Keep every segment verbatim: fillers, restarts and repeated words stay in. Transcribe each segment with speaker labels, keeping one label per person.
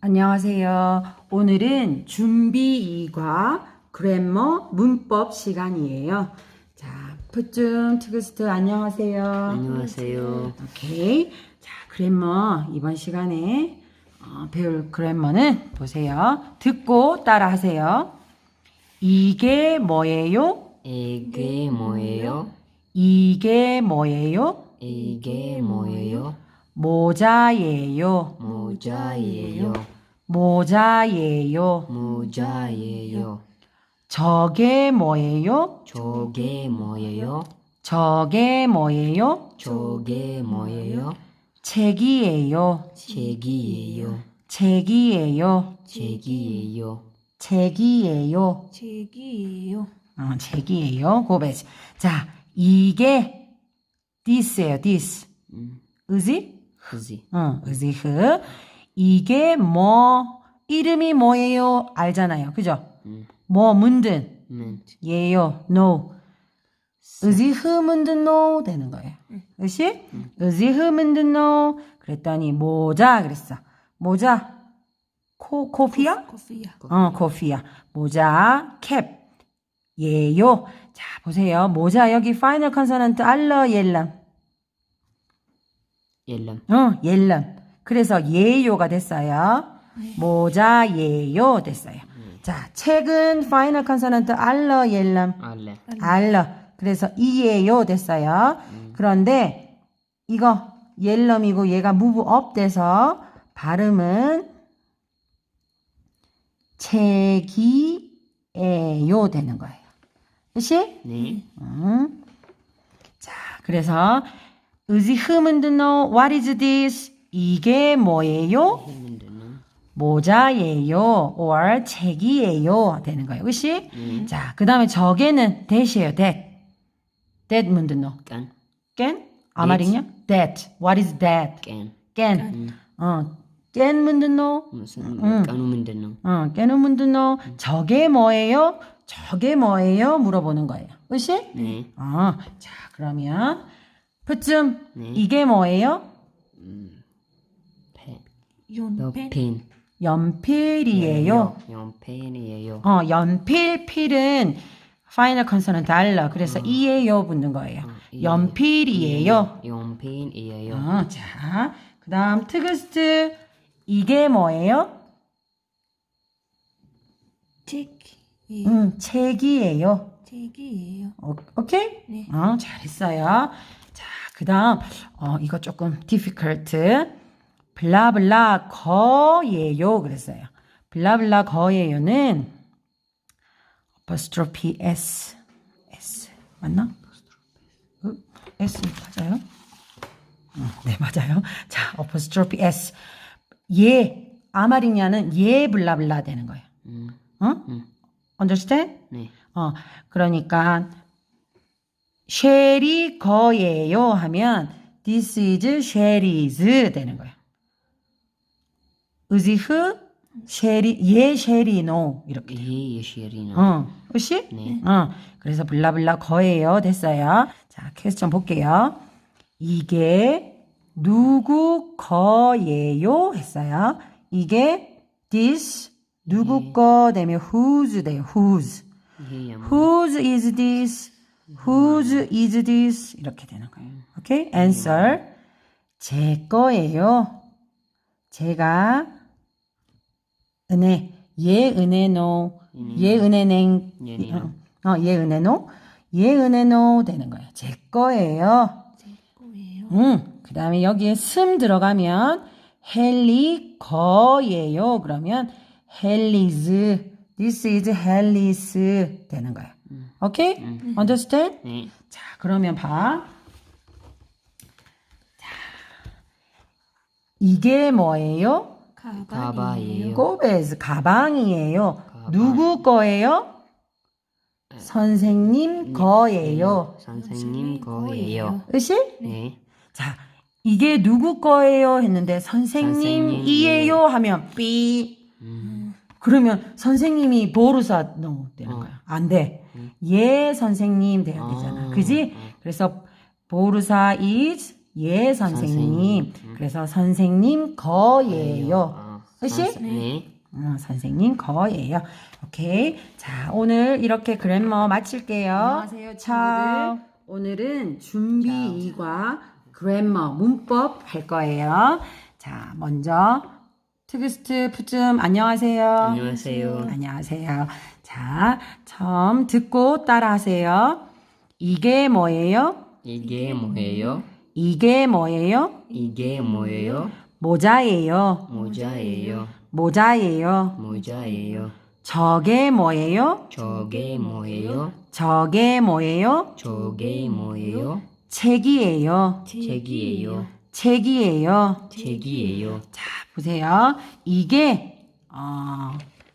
Speaker 1: 안녕하세요. 오늘은 준비 이과 그래머 문법 시간이에요. 자, 푸쯤 트그스트 안녕하세요.
Speaker 2: 안녕하세요.
Speaker 1: 오케이. 자, 그래머 이번 시간에 어, 배울 그래머는 보세요. 듣고 따라하세요. 이게 뭐예요?
Speaker 2: 이게 뭐예요?
Speaker 1: 이게 뭐예요?
Speaker 2: 이게 뭐예요?
Speaker 1: 모자예요.
Speaker 2: 모자예요.
Speaker 1: 모자예요.
Speaker 2: 모자예요.
Speaker 1: 저게 뭐예요?
Speaker 2: 저게 뭐예요?
Speaker 1: 저게 뭐예요?
Speaker 2: 저게 뭐예요?
Speaker 1: 책이에요.
Speaker 2: 책이에요.
Speaker 1: 책이에요.
Speaker 2: 책이에요.
Speaker 1: 책이에요.
Speaker 3: 책이에요.
Speaker 1: 어, 책이에요. 고베지. 자, 이게 this예요. this.
Speaker 2: 음,
Speaker 1: 의지?
Speaker 2: 그지.
Speaker 1: 어, 의지흐. 이게 뭐 이름이 뭐예요? 알잖아요. 그죠?
Speaker 2: 음,
Speaker 1: 뭐 문든
Speaker 2: 면,
Speaker 1: 예요. no. 의지흐 문든 no 되는 거예요. 그렇지? 의지흐 문든 no. 그랬더니 모자 그랬어. 모자. 코 코피야?
Speaker 3: 커피야.
Speaker 1: 어, 코피야. 모자 캡. 예요. 자, 보세요. 모자 여기 파이널 컨소넌트 알러 옐람.
Speaker 2: 옐람.
Speaker 1: 어, 옐람. 그래서 예요가 됐어요. 모자 예요 됐어요. 자, 책은 파이널 컨소넌트 알러 옐람.
Speaker 2: 알레.
Speaker 1: 알러. 그래서 이예요 됐어요. 그런데 이거 옐럼이고 얘가 무브 업 돼서 발음은 책이에요 되는 거예요. 그치?
Speaker 2: 네.
Speaker 1: 음. 자, 그래서 의지 흐문드노 what is this? 이게 뭐예요?
Speaker 2: 했는데는
Speaker 1: 모자예요 or 책이에요 되는 거예요. 그치? 자, 그 다음에 저게는 that이에요. that. that 문드노.
Speaker 2: 깐,
Speaker 1: 깬? 아마리냐? that. what is that?
Speaker 2: 깐.
Speaker 1: 깬. 어, 깬 문드노.
Speaker 2: 무슨 까누면되는
Speaker 1: 어, 깨는 문드노. 저게 뭐예요? 저게 뭐예요? 물어보는 거예요. 그치?
Speaker 2: 네.
Speaker 1: 어, 자, 그러면 푸쯤
Speaker 2: 네.
Speaker 1: 이게 뭐예요?
Speaker 2: 펜.
Speaker 3: 연펜.
Speaker 2: 펜.
Speaker 1: 연필이에요.
Speaker 2: 연펜이에요.
Speaker 1: 어, 연필, 필은 파이널 컨소넌트 알러. 그래서 이에요 붙는 거예요. 연필이에요.
Speaker 2: 연펜이에요.
Speaker 1: 어, 자, 그 다음 트그스트 이게 뭐예요?
Speaker 3: 책이에요.
Speaker 1: 음, 책이에요.
Speaker 3: 책이에요.
Speaker 1: 오, 오케이?
Speaker 3: 네.
Speaker 1: 어, 잘했어요. 자, 그 다음, 어, 이거 조금 difficult. 블라블라 거예요. 그랬어요. 블라블라 거예요는 apostrophe s. s. 맞나? 어, s 맞아요? 어, 네, 맞아요. 자, apostrophe s. 예, 아마리냐는 예 블라블라 되는 거예요.
Speaker 2: 음,
Speaker 1: 어? understand?
Speaker 2: 네.
Speaker 1: 어, 그러니까 쉘이 거예요 하면 this is 쉘이즈 되는 거예요. 의지흐 쉘이 예 쉘이 노 이렇게.
Speaker 2: 예, 예시리나.
Speaker 1: 어, 그렇지?
Speaker 2: 네.
Speaker 1: 어, 그래서 블라블라 거예요 됐어요. 자, 퀘스천 볼게요. 이게 누구 거예요 했어요. 이게 this 누구 거 되면 whose 돼요. whose.
Speaker 2: 예, 양.
Speaker 1: Whose is this? Whose is this? 이렇게 되는 거예요. 오케이? Answer. 제 거예요. 제가 은혜. 예 은혜노. 예 은혜냉.
Speaker 2: 예니요.
Speaker 1: 어, 예 은혜노. 예 은혜노 되는 거예요. 제 거예요.
Speaker 3: 제 거예요.
Speaker 1: 음. 그 다음에 여기에 슴 들어가면 헬리 거예요. 그러면 헬리즈. This is 헬리스 되는 거예요. 오케이? Understand?
Speaker 2: 네.
Speaker 1: 자, 그러면 봐. 자, 이게 뭐예요?
Speaker 3: 가방이에요.
Speaker 2: 가방이에요.
Speaker 1: 꼬베스 가방이에요. 누구 거예요? 선생님 거예요.
Speaker 2: 선생님 거예요.
Speaker 1: 으시?
Speaker 2: 네.
Speaker 1: 자, 이게 누구 거예요? 했는데 선생님이에요 하면 삐. 그러면 선생님이 보르사 no 되는 거야. 안 돼. 예 선생님 돼야 되잖아. 그지? 그래서 보르사 is 예 선생님. 그래서 선생님 거예요.
Speaker 2: 아,
Speaker 1: 으시?
Speaker 2: 네.
Speaker 1: 어, 선생님 거예요. 오케이. 자, 오늘 이렇게 그래머 마칠게요. 안녕하세요, 친구들. 오늘은 준비 이과 그래머 문법 할 거예요. 자, 먼저 트그스트 푸즘 안녕하세요.
Speaker 2: 안녕하세요.
Speaker 1: 안녕하세요. 자, 처음 듣고 따라하세요. 이게 뭐예요?
Speaker 2: 이게 뭐예요?
Speaker 1: 이게 뭐예요?
Speaker 2: 이게 뭐예요?
Speaker 1: 모자예요.
Speaker 2: 모자예요.
Speaker 1: 모자예요.
Speaker 2: 모자예요.
Speaker 1: 저게 뭐예요?
Speaker 2: 저게 뭐예요?
Speaker 1: 저게 뭐예요?
Speaker 2: 저게 뭐예요?
Speaker 1: 책이에요.
Speaker 2: 책이에요.
Speaker 1: 책이에요.
Speaker 2: 책이에요.
Speaker 1: 자, 보세요. 이게 어,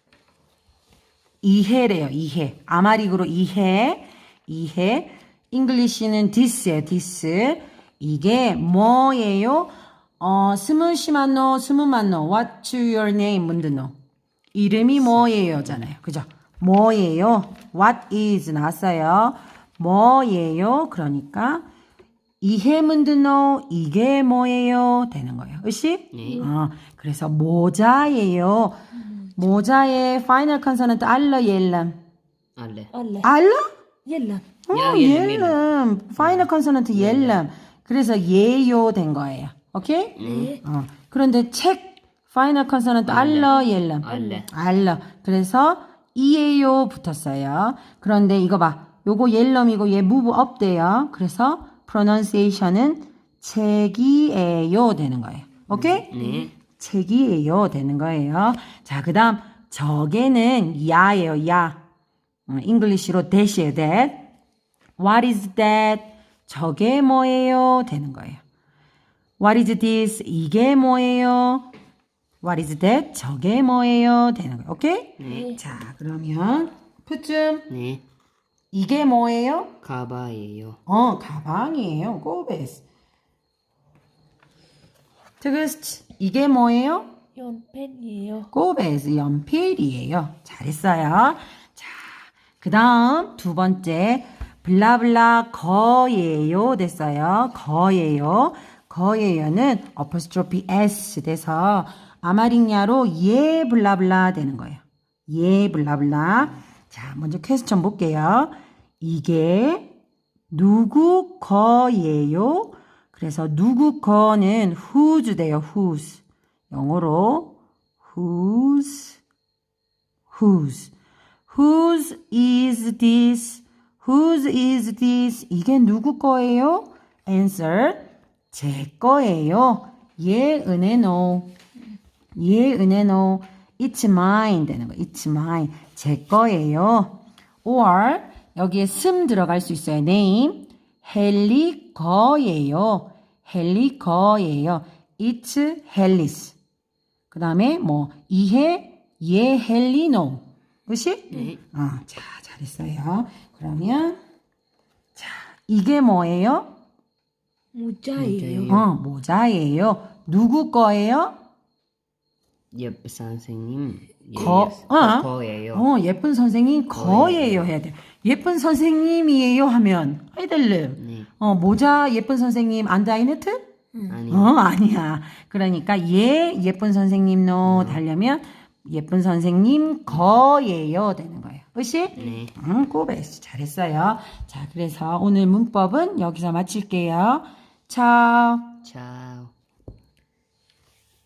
Speaker 1: 이해래요. 이해. 아마릭으로 이해. 이해. 잉글리시는 this예요. this. 이게 뭐예요? 어, 스무시만노, 스무만노. What's your name? 문드노. 이름이 뭐예요?잖아요. 그죠? 뭐예요? What is 나왔어요. 뭐예요? 그러니까 이해 문드노 이게 뭐예요? 되는 거예요. 으시?
Speaker 2: 네.
Speaker 1: 어, 그래서 모자예요. 모자의 파이널 컨서넌트 알러 옐람.
Speaker 2: 알레.
Speaker 3: 알레.
Speaker 1: 알러?
Speaker 3: 옐람.
Speaker 1: 어,
Speaker 2: 야, 옐람,
Speaker 1: 옐람. 파이널 컨서넌트 옐람. 그래서 예요 된 거예요. 오케이?
Speaker 3: 네.
Speaker 1: 어, 그런데 책 파이널 컨서넌트 알러 옐람.
Speaker 2: 알레.
Speaker 1: 알러. 그래서 이에요 붙었어요. 그런데 이거 봐. 요거 옐럼이고 얘 move up 돼요. 그래서 pronunciation은 책이에요 되는 거예요. 오케이?
Speaker 2: 네.
Speaker 1: 책이에요 되는 거예요. 자, 그 다음 저게는 야예요. 야. 어, 잉글리시로 that이에요. that. What is that? 저게 뭐예요? 되는 거예요. What is this? 이게 뭐예요? What is that? 저게 뭐예요? 되는 거예요. 오케이?
Speaker 2: 네.
Speaker 1: 자, 그러면 푸쯤
Speaker 2: 네.
Speaker 1: 이게 뭐예요?
Speaker 2: 가바예요.
Speaker 1: 어, 가방이에요. 꼬베스. 트그스트 이게 뭐예요?
Speaker 3: 연펜이에요.
Speaker 1: 꼬베스 연필이에요. 잘했어요. 자, 그 다음 두 번째 블라블라 거예요 됐어요. 거예요. 거예요는 어퍼스트로피 S 돼서 아마링야로 예 블라블라 되는 거예요. 예 블라블라. 자, 먼저 퀘스천 볼게요. 이게 누구 거예요? 그래서 누구 거는 whose 돼요. whose. 영어로 whose whose whose is this? whose is this? 이게 누구 거예요? answer 제 거예요. 예, 은혜노. 예, 은혜노. It's mine 되는 거. It's mine. 제 거예요. or 여기에 슴 들어갈 수 있어요. name. 헨리 거예요. 헨리 거예요. It's 헨리스. 그 다음에 뭐 이해 예 헨리노. 그치?
Speaker 2: 네.
Speaker 1: 어, 자, 잘했어요. 그러면 자, 이게 뭐예요?
Speaker 3: 모자예요.
Speaker 1: 어, 모자예요. 누구 거예요?
Speaker 2: 예쁜 선생님.
Speaker 1: 거,
Speaker 2: 예,
Speaker 1: 어?
Speaker 2: 거예요.
Speaker 1: 어, 예쁜 선생님 거예요 해야 돼. 예쁜 선생님이에요 하면 아이들름.
Speaker 2: 네.
Speaker 1: 어, 모자 예쁜 선생님 안다이네트?
Speaker 2: 아니.
Speaker 1: 어, 아니야. 그러니까 예 예쁜 선생님노 달려면 예쁜 선생님 거예요 되는 거예요. 으시?
Speaker 2: 네.
Speaker 1: 응, 꼬베스 잘했어요. 자, 그래서 오늘 문법은 여기서 마칠게요. 차.
Speaker 2: 자.